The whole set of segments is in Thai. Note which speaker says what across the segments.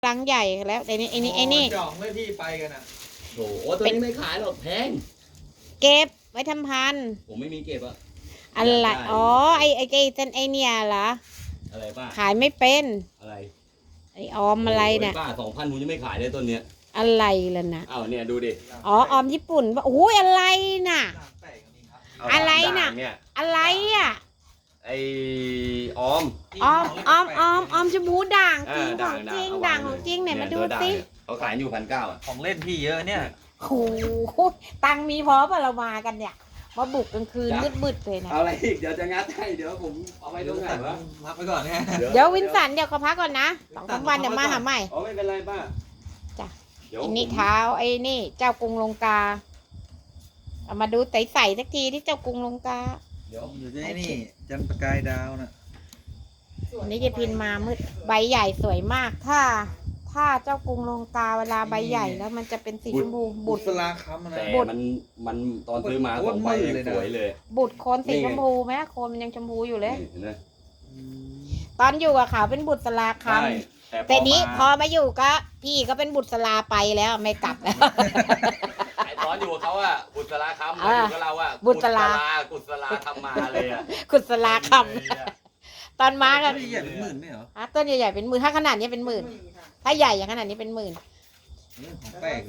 Speaker 1: ลังใหญ่แล้วไอ้นี่
Speaker 2: จ่องไม่พี่ไปกันอ่ะ
Speaker 3: โอ้โหตัวนี้ไม่ขายหรอกแพง
Speaker 1: เก็บไว้ทำพันธุ์
Speaker 3: ผมไม่มีเก็บอะ
Speaker 1: อะไรอ๋อไอ้เส้นไอเนี่ยเหรอ
Speaker 3: อะไรป้า
Speaker 1: ขายไม่เป็น
Speaker 3: อะไร
Speaker 1: ไอออมอะไรเนี่ย
Speaker 3: ป้า2,000ผมยังไม่ขายเลยต้นเนี้ย
Speaker 1: อะไรล่ะนะ
Speaker 3: อ้าวเนี่ยดูดิ
Speaker 1: อ๋อออมญี่ปุ่นโอ้ยอะไรน่ะอะไรน่ะอะไรอ่ะ
Speaker 3: ไอออม
Speaker 1: ชมพูด่างจริงของจริงด่างของจริงไหนมาดูสิ
Speaker 3: เขาขายอยู่1,900อะ
Speaker 2: ของเล่นพี่เยอะเนี่ย
Speaker 1: โอ้โหตังมีพอป่ะเรามากันเนี่ยมาบุกกลางคืนมืดเลยนะ
Speaker 3: เอาอะไรอีกเดี๋ยวจะงัดให้เดี๋ยวผมเอาไว้ตรงไหนวะ
Speaker 2: พักไปก่อนเนี่ย
Speaker 1: เดี๋ยววินสันเดี๋ยวเขาพักก่อนนะ2-3 วันเดี๋ยวมาหาใหม่
Speaker 3: อ๋อไม่เป็นไรป้า
Speaker 1: จ้ะไอ้นี่เท้าไอ้นี่เจ้ากรุงลงกาเอามาดูใสๆสักทีที่เจ้ากรุงลงกา
Speaker 2: เดี๋ยวอยู่ที่นี่จันทร์ประกายดาวนะ
Speaker 1: นี่จะพินมามืดใบใหญ่สวยมากถ้าเจ้ากรุงลงกาเวลาใบใหญ่แล้วมันจะเป็นสีชมพูบุตร
Speaker 2: ลาคำนะ
Speaker 3: แต่มันตอนซื้อมา2 ใบสวยเลย
Speaker 1: บุตรโคนสีชมพูไหมโคนมันยังชมพูอยู่เลยตอนอยู่กับเขาเป็นบุตรสลาคำแต่นี้พอมาอยู่ก็พี่ก็เป็นบุตรสลาไปแล้วไม่กลับแล้ว
Speaker 3: ไอ้ตอนอยู่กับเขาอะบุตรลาคำอยู่กับเราอะกุศลาทำมาเลยอะ
Speaker 1: กุศลาคำตอนมากัน
Speaker 2: ใหญ่เป็นหมื่นไม่เหรอ
Speaker 1: ต้นใหญ่ๆเป็นหมื่นถ้าขนาดนี้เป็นหมื่นถ้าใหญ่อย่างขนาดนี้เป็นหมื่น
Speaker 2: แปลก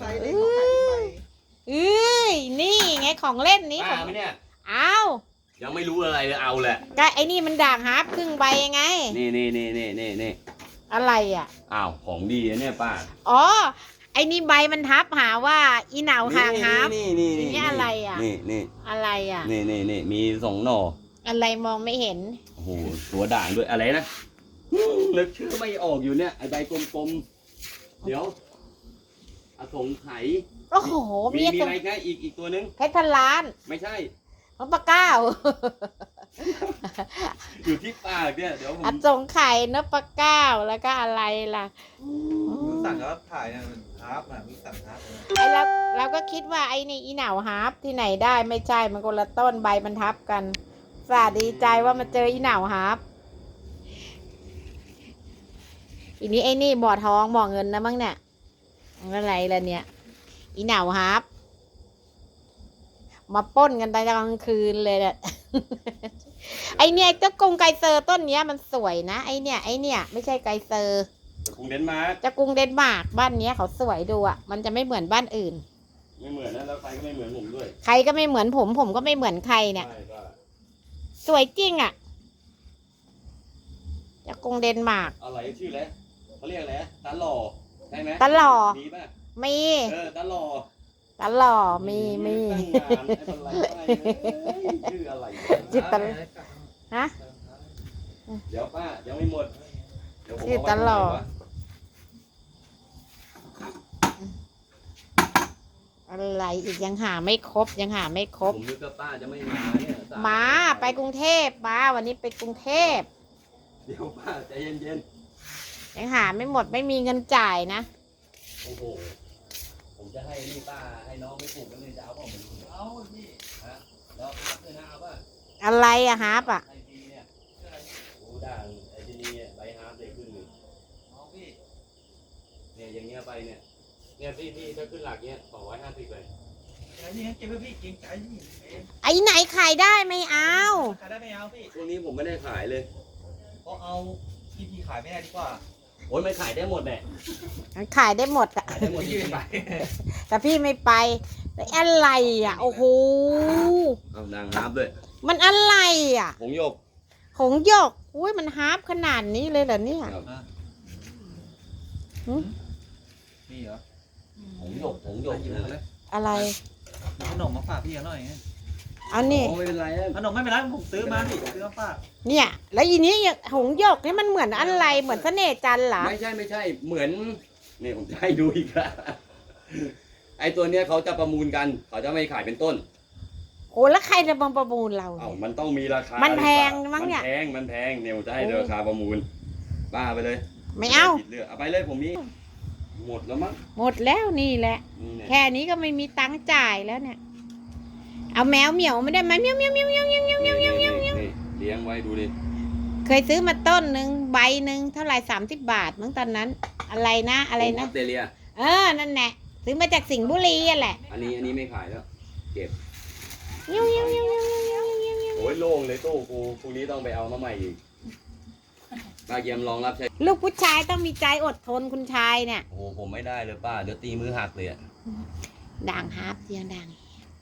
Speaker 1: นี่ไงของเล่นนี้
Speaker 3: ของเนี่ย
Speaker 1: เอา
Speaker 3: ยังไม่รู้อะไรเลยเอาแหละ
Speaker 1: ก็ไอ้นี่มันด่างฮาร์ปครึ่งใบไง
Speaker 3: นี่
Speaker 1: อะไรอ่ะ
Speaker 3: อ้าวของดีเนี่ยป้า
Speaker 1: อ๋อไอ้นี่ใบมันทับหาว่าอีเหนาห่างฮาร์ปนี่อะไรอ่ะ
Speaker 3: นี่
Speaker 1: อะไรอ่ะ
Speaker 3: นี่มี2 หน่อ
Speaker 1: อะไรมองไม่เห็น
Speaker 3: โอ้โหตัวด่างด้วยอะไรนะนึกชื่อไม่ออกอยู่เนี่ยไอใบกลมๆเดี๋ยวอสงไขย
Speaker 1: โอ้โห
Speaker 3: มีอะไรแค่อีกตัวนึง
Speaker 1: เพชรพันล้าน
Speaker 3: ไม่ใช่
Speaker 1: ของปลาเก้า
Speaker 3: อยู่ที่ปากเนี่ยเดี๋ยวผม
Speaker 1: อสงไขยนปลาเก้าแล้วก็อะไรล่ะ
Speaker 2: สั่งก็ถ่ายเนี่ยฮาร์ปนะมีสั่งฮาร์ป
Speaker 1: ไอเราก็คิดว่าไอ้นี่อีเหนาฮาร์ปที่ไหนได้ไม่ใช่มันคนละต้นใบมันทับกันสาดีใจว่ามาเจออีเหนาฮาร์ปอีนี้ไอ้นี่บ่อทองบ่อเงินนะมั้งเนี่ยอะไรล่ะเนี่ยอีเหนาฮาร์ปมาป้นกันตอนกลางคืนเลยเนี่ยไอเนี่ยเจ้ากรุงไกเซอร์ต้นเนี้ยมันสวยนะไอเนี่ยไม่ใช่ไกเซอร์
Speaker 3: เจ้ากรุงเดนมาร์ก
Speaker 1: บ้านเนี้ยเขาสวยดูอ่ะมันจะไม่เหมือนบ้านอื่น
Speaker 3: ไม่เหมือนนะแล้วใครก็ไม่เหมือนผมด้วย
Speaker 1: ใครก็ไม่เหมือนผมก็ไม่เหมือนใครเนี่ยสวยจริงอ่ะเจ้ากรุงเดนมาร์ก
Speaker 3: อะไรชื่ออะไรเขาเรียกอะไรตาหล่อใช่ไหม
Speaker 1: ตาหล่อ
Speaker 3: มีป่ะ
Speaker 1: มี
Speaker 3: ตาหล่อ
Speaker 1: มี
Speaker 3: ชื่ออะไร
Speaker 1: จิตตลฮะ
Speaker 3: เดี๋ยวป้ายังไม่หมด
Speaker 1: จิตตลออะไรอีกยังหาไม่ครบ
Speaker 3: ผมนึกว่าป้าจะไม่มาเนี่ย
Speaker 1: มาไปกรุงเทพมาวันนี้ไปกรุงเทพ
Speaker 3: เดี๋ยวป้าใจเย็น
Speaker 1: ยังหาไม่หมดไม่มีเงินจ่ายนะ
Speaker 3: โอ้โหผมจะให้นี่ป้าให้น้องไปปลูกกันเลยจะเอาป่ะผมเอาพี่ฮะแล้วฮาร์ปด้วยนะเอาป่ะ
Speaker 1: อะไรอะฮาร์ปอะ
Speaker 3: ไอทีเนี่ยโอ้ด่างไอทีนี่ใบฮาร์ปเลยขึ้นเลยเอาพี่เนี่ยอย่างเงี้ยไปเนี่ยพี่ถ้าขึ้นหลักเนี้ย250เลย
Speaker 2: ไอ้นี่เก็บไว้พี่เก่งใจพี่
Speaker 1: ไอ้ไหนขายได้ไม่เอา
Speaker 2: ขายได้ไม่เอาพี่
Speaker 3: ช่วงนี้ผมไม่ได้ขายเลย
Speaker 2: เพราะเอาพี่ขายไม่ได้ดีกว่า
Speaker 3: โอ้ยไม่ขายได้หมดแหละ
Speaker 1: ขายได้หมดอะแต่พี่ไม่ไปแต่อะไรอะโอ้โห
Speaker 3: เอานางฮาร์ปด้วย
Speaker 1: มันอะไรอะ
Speaker 3: หงหยก
Speaker 1: อุ้ยมันฮาร์ปขนาดนี้เลยเหรอเนี่ย
Speaker 2: นี่เหรอ
Speaker 3: หงหยก
Speaker 1: อะไร
Speaker 2: ขนมมาฝากพี่หน่อย
Speaker 1: เอานี่
Speaker 3: ไม่เป็นไร
Speaker 2: ขนมไม่เป็นไรผมซื้อมาพี่ซื้อมาฝาก
Speaker 1: เนี่ยแล้วอีนี้หงหยกนี่มันเหมือนอะไรเหมือนเสน่ห์จันทร์เหรอ
Speaker 3: ไม่ใช่เหมือนนี่ผมจะให้ดูอีกละไอตัวเนี้ยเขาจะประมูลกันเขาจะไม่ขายเป็นต้น
Speaker 1: โอ้แล้วใครจะมาประมูลเรา
Speaker 3: มันต้องมีราคา
Speaker 1: มันแพงมั้งเนี่ย
Speaker 3: มันแพงเนี่ยจะให้ราคาประมูลบ้าไปเลย
Speaker 1: ไม่เอา
Speaker 3: ไปเลยผมมีหมดแล้วมั้ง
Speaker 1: หมดแล้วนี่แหละแค่นี้ก็ไม่มีตังค์จ่ายแล้วเนี่ยเอาแมวเหมียวไม่ได้ไหมเมียวเลี้ยงไว้ดูดิเคเคยซื้อมาต้นหนึ่งใบหนึ่งเท่าไหร่30 บาทมั้งตอนนั้น อะไรนะอะไร
Speaker 3: อ
Speaker 1: นะ
Speaker 3: อสเตรเลีย
Speaker 1: นั่นแหละซื้อมาจากสิงห์บุรีอ่ะแหละ
Speaker 3: อันนี้ไม่ขายแล้วเก็บ
Speaker 1: ยิ้วยิ้วยิ้วยิ้วยิ้วยิ้วยิ้ว
Speaker 3: โอ้ยโล่งเลยตู้กูพรุ่งนี้ต้องไปเอามาใหม่อีกป้าเยี่ยมลองรับใช้
Speaker 1: ลูกผู้ชายต้องมีใจอดทนคุณชายเนี่ย
Speaker 3: โอ้โหผมไม่ได้เลยป้าเดี๋ยวตีมือหักเลยอะ
Speaker 1: ด่างฮาร์ปเสียงด่าง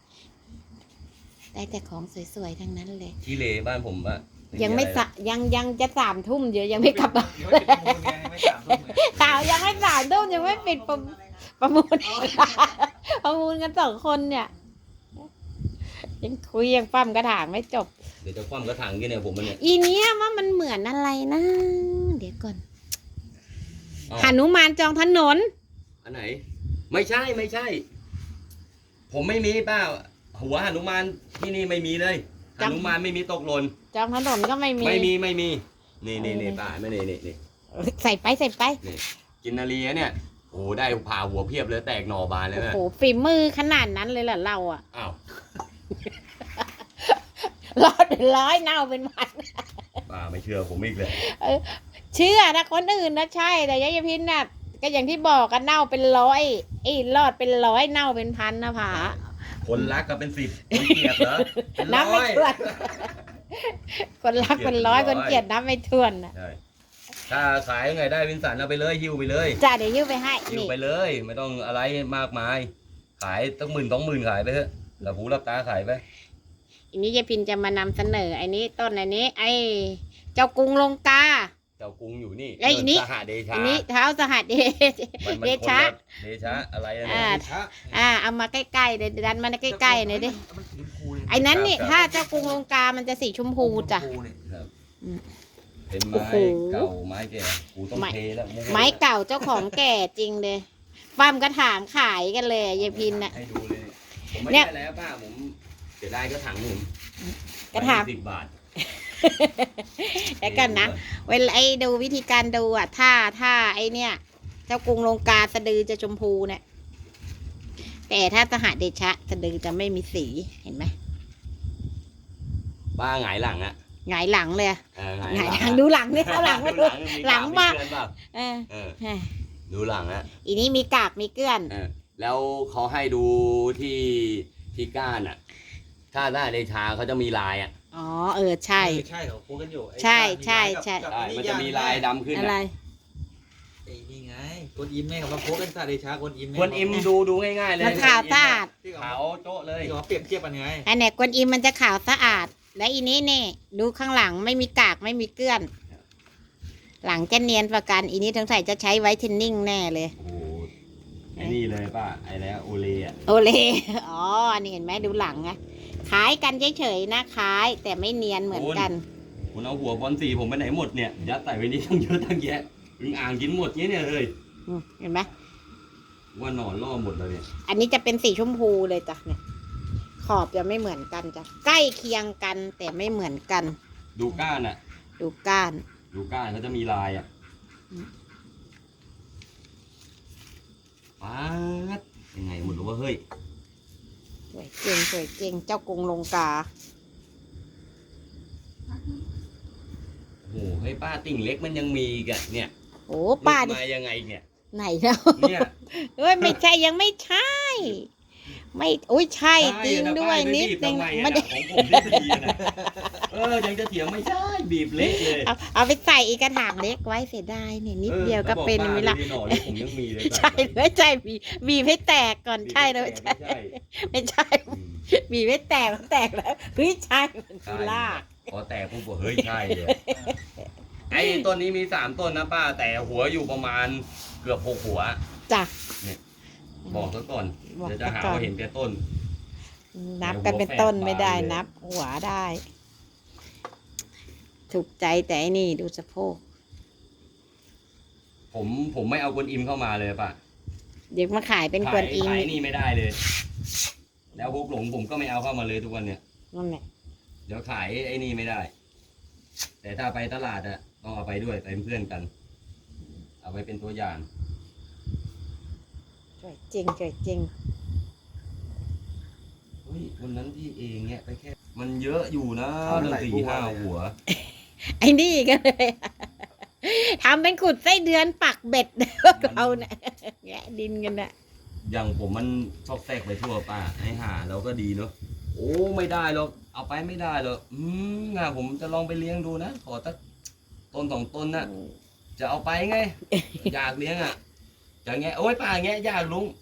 Speaker 1: ได้แต่ของสวยๆทั้งนั้นเลย
Speaker 3: ขี้เลบ้านผมอะ
Speaker 1: ยังไม่
Speaker 3: อะร
Speaker 1: สะยังจะ3 ทุ่มเดี๋ยวยังไม่กลับบ้าน
Speaker 2: เดี๋ยวจะประมูลไงไม่3 ทุ่มไง
Speaker 1: ข่าวยังไม่3 ทุ่มยังไม่ปิดประมูล ประมูลกัน2 คนเนี่ย ยังคุยยังปั้มกระถางไม่จบ
Speaker 3: เดี๋ยวจะคว่ำกระถางกันเนี่ยผมมันเนี่ย
Speaker 1: อีเนี้ยว่ามันเหมือนอะไรนะ เดี๋ยวก่อน
Speaker 3: อ้าว
Speaker 1: หนุมานจองถนน
Speaker 3: อันไหน ไม่ใช่ ผมไม่มีป้าหัวหนุมานที่นี่ไม่มีเลยห
Speaker 1: จำ
Speaker 3: นุมานไม่มีตกหล่น
Speaker 1: จองถนนก็ไม่มี
Speaker 3: ไม่มีนี่ป้าไม่นี่
Speaker 1: ใส่ไป
Speaker 3: กินนาลีเนี่ยโอ้ได้ผ่าหัวเพียบเลยแตกหน่อบานเลย
Speaker 1: โอ้
Speaker 3: นะ
Speaker 1: โหฝีมือขนาดนั้นเลยเหรอเราอะ
Speaker 3: อ้าว
Speaker 1: รอดเป็นร้อยเน่าเป็นพัน
Speaker 3: ป้าไม่เชื่อผมอีกเลย
Speaker 1: เชื่อนะคนอื่นนะใช่แต่ยายพินน่ะก็อย่างที่บอกกันเน่าเป็นร้อยรอดเป็นร้อยเน่าเป็นพันนะผา
Speaker 3: คนรักก็เป็น10คนเกลียดเหรอเป็น
Speaker 1: นับ
Speaker 3: ร้
Speaker 1: ไม่
Speaker 3: อย
Speaker 1: ถ้วน คนรักเป็นร้อย
Speaker 3: เกลียดเป็นร้อย
Speaker 1: คนเกลียดนับไม่ถ้วนนะ
Speaker 3: ใช่ถ้าขายยังไงได้วินสันเอาไปเลยหิ้วไปเลย
Speaker 1: จ้าเดี๋ยวยิ้วไปให้
Speaker 3: หิ้ว
Speaker 1: นี่
Speaker 3: ไปเลย ไม่ต้องอะไรมากมาย ขายตั้ง10,000-20,000ขายไปเถอะหลับหูหลับตาขายไป
Speaker 1: อันนี้ยายพินจะมานำเสนอไอ้นี้ต้นอันนี้ ไอ้เจ้ากรุงลงกา
Speaker 3: เจ้ากรุงอยู่นี่
Speaker 1: ไอ้นี่
Speaker 3: สหเดชา
Speaker 1: อันนี้เท้าสหัสเด
Speaker 3: มัน
Speaker 1: เดชะ
Speaker 3: คนละเดชะอะไรอะ
Speaker 1: อ่า
Speaker 3: เนี่ย
Speaker 1: เอามาใกล้ๆเดี๋ยวดันมาใกล้ๆหน่อยดิ
Speaker 2: มันสีชมพูเลย
Speaker 1: ไอ้นั้นนี่ถ้าเจ้ากรุงลงกามันจะสีชมพูจ้ะ
Speaker 2: ชมพูเนี่ย
Speaker 3: เป็น
Speaker 1: โอ้
Speaker 3: ไม้
Speaker 1: โห
Speaker 3: เก่าไม้แก่กูต้องเทแล้ว
Speaker 1: ไม้เก่าเจ้าของแก่จริงเลยปั้มกระถางขายกันเลยยายพินน่ะ
Speaker 3: ให้ดูเลยผมไม่
Speaker 1: เนี่ย
Speaker 3: ได้แล้วป้าผมเสียดายกระถางผม
Speaker 1: กระถาง
Speaker 3: 10 บาท
Speaker 1: แล้วกันนะ เวลาไอ้ดูวิธีการดูอ่ะถ้าไอ้เนี่ย เจ้ากรุงลงกาสะดือจะชมพูเนี่ยแต่ถ้าสหเดชะสะดือจะไม่มีสีเห็นไหม
Speaker 3: ป้าหงายหลังอะ
Speaker 1: หงายหลังเลย
Speaker 3: หงาย
Speaker 1: หงาย
Speaker 3: ห
Speaker 1: ห
Speaker 3: ลั
Speaker 1: ลั
Speaker 3: ง
Speaker 1: งดูหลังเนี่ยเอาหลังมาดู หลังมาก
Speaker 3: เปล่า
Speaker 1: เออ
Speaker 3: เออ
Speaker 1: เออ
Speaker 3: ดูหลังอะ
Speaker 1: อีนี้มีกากมีเกลื่อน
Speaker 3: เออแล้วเขาให้ดูที่ก้านอะถ้าได้เดชาเขาจะมีลายอะ
Speaker 1: อ๋อใช่
Speaker 2: ใช่เขาพูดกันอยู่ไอ้
Speaker 1: ใช่
Speaker 2: ก้าน
Speaker 1: ใช่
Speaker 2: กับ
Speaker 1: ใช่
Speaker 2: กับ
Speaker 3: ใช่
Speaker 2: ไอ้
Speaker 3: มัน
Speaker 2: ย่
Speaker 3: จะมีลายดำขึ้น
Speaker 1: อะไร
Speaker 2: ไอ้นี่ไงกวนอิมแม่เขามาโพสกันซาเดชากวนอิมแ
Speaker 3: คนอิมดูง่ายๆเลย
Speaker 1: มันขาวสะอาด
Speaker 2: ที่เขา
Speaker 3: ขาวโจ๊ะเลย
Speaker 2: ที่เขาเปรียบเทียบกันไง
Speaker 1: อันไหนกวนอิมมันจะขาวสะอาด และอีนี้เนี่ยดูข้างหลังไม่มีกากไม่มีเกลื่อน หลังจะเนียนประกันอีนี้ทั้งใส่จะใช้ไวท์เทนนิ่งแน่เลย
Speaker 3: โอ้โหไอ้นี่เลยป้าไอ้แล้วโอเลอะ
Speaker 1: โอเล อ๋อ อันนี้เห็นไหมดูหลังไงขายกันเฉยๆนะขาย แต่ไม่เนียนเหมือนกัน
Speaker 3: คุณเอาหัวบอลสีผมไปไหนหมดเนี่ยยัดใส่ไว้นี่ตั้งเยอะตั้งแยะอึงอ่างกินหมดเนี่ยเลย
Speaker 1: เห็นไหม
Speaker 3: ว่าหนอนล่อหมดเลยเนี่ย
Speaker 1: อันนี้จะเป็นสีชมพูเลยจ้ะเนี่ย ขอบจะไม่เหมือนกันจ้ะ ใกล้เคียงกันแต่ไม่เหมือนกัน
Speaker 3: ดูก้านอะ
Speaker 1: ดูก้าน
Speaker 3: ดูก้านเขาจะมีลายอะ
Speaker 1: อืม
Speaker 3: ป๊าดยังไงหมดหรือว่าเฮ้ย
Speaker 1: สวยเก่งสวยเก่งเจ้ากรุงลงกา
Speaker 3: โอ้โหให้ป้าติ่งเล็กมันยังมีอีกันเนี่ย
Speaker 1: โอ้ป้า
Speaker 3: หลุ
Speaker 1: ดิ
Speaker 3: ดมายังไงเนี่ย
Speaker 1: ไหนแล้ว
Speaker 3: เนี่ย
Speaker 1: เอ้ยไม่ใช่ยังไม่ใช่ ไม่อุ้ยใช่จริงด้วยนิดนึง
Speaker 3: ไม่
Speaker 1: ไม่
Speaker 3: ได้
Speaker 1: ได้
Speaker 3: ของผมที่ดีอะนะยังจะเถียงไม่ใช่บีบเละเลย
Speaker 1: เอาไปใส่อีกกระถางเล็กไว้เสียดายเนี่ยนิดเดียวก็เป็นไม่ละ
Speaker 3: ไม่หน่อเลยผมยังมีเลย
Speaker 1: ใช่เลยใช่บีบให้แตกก่อนใช่เลยใช่
Speaker 3: ใช่
Speaker 1: ไม่ใช่บีบให้แตกมันแตกแล้วเฮ้ยใช่มันคือลาก
Speaker 3: พอแตกปุ๊บบอกเฮ้ยใช่เลยไอ้ต้นนี้มี3 ต้นนะป้าแต่หัวอยู่ประมาณเกือบ6 หัว
Speaker 1: จ้ะ
Speaker 3: บอกซะก่อน
Speaker 1: บอก
Speaker 3: เดี๋ยวจะหา
Speaker 1: ซะก่อน
Speaker 3: ว่าเห็นแค่ต้น
Speaker 1: นับกันเป็นต้นไม่ได้
Speaker 3: หัวแฝด
Speaker 1: นับ หัวได้ ถูกใจแต่ไอ้นี่ดูสะโพก
Speaker 3: ผมไม่เอากวนอิมเข้ามาเลยป่ะ
Speaker 1: เดี๋ยวมาขายเป็นกวนอิม
Speaker 3: ขายนี่ไม่ได้เลย แล้วฮุกหลงผมก็ไม่เอาเข้ามาเลยทุกวันเนี่ย
Speaker 1: นั่นแหละ
Speaker 3: เดี๋ยวขายไอ้นี่ไม่ได้ แต่ถ้าไปตลาดอะต้องเอาไปด้วยไปเป็นเพื่อนกัน เอาไปเป็นตัวอย่าง
Speaker 1: สวยจริงสวยจริง
Speaker 3: เฮ้ยวันนั้นที่เองเนี่ยไปแค่ มันเยอะอยู่นะ
Speaker 2: เอา
Speaker 3: ตั้ง
Speaker 2: ไหล่
Speaker 3: 4-5
Speaker 2: บัวเลยอะ
Speaker 3: หัว
Speaker 1: ไอ้นี่ก็เลยทำเป็นขุดไส้เดือนปักเบ็ดพวกเราเนี่ยแงะดินกันน่ะ
Speaker 3: อย่างผมมันซอกแซกไปทั่วป่าให้หาเราก็ดีเนาะโอ้ไม่ได้หรอกเอาไปไม่ได้หรอกผมจะลองไปเลี้ยงดูนะขอสักต้นสองต้นนะจะเอาไปไง อยากเลี้ยงอ่ะจะแงะโอ้ยป่าแงะยากลุง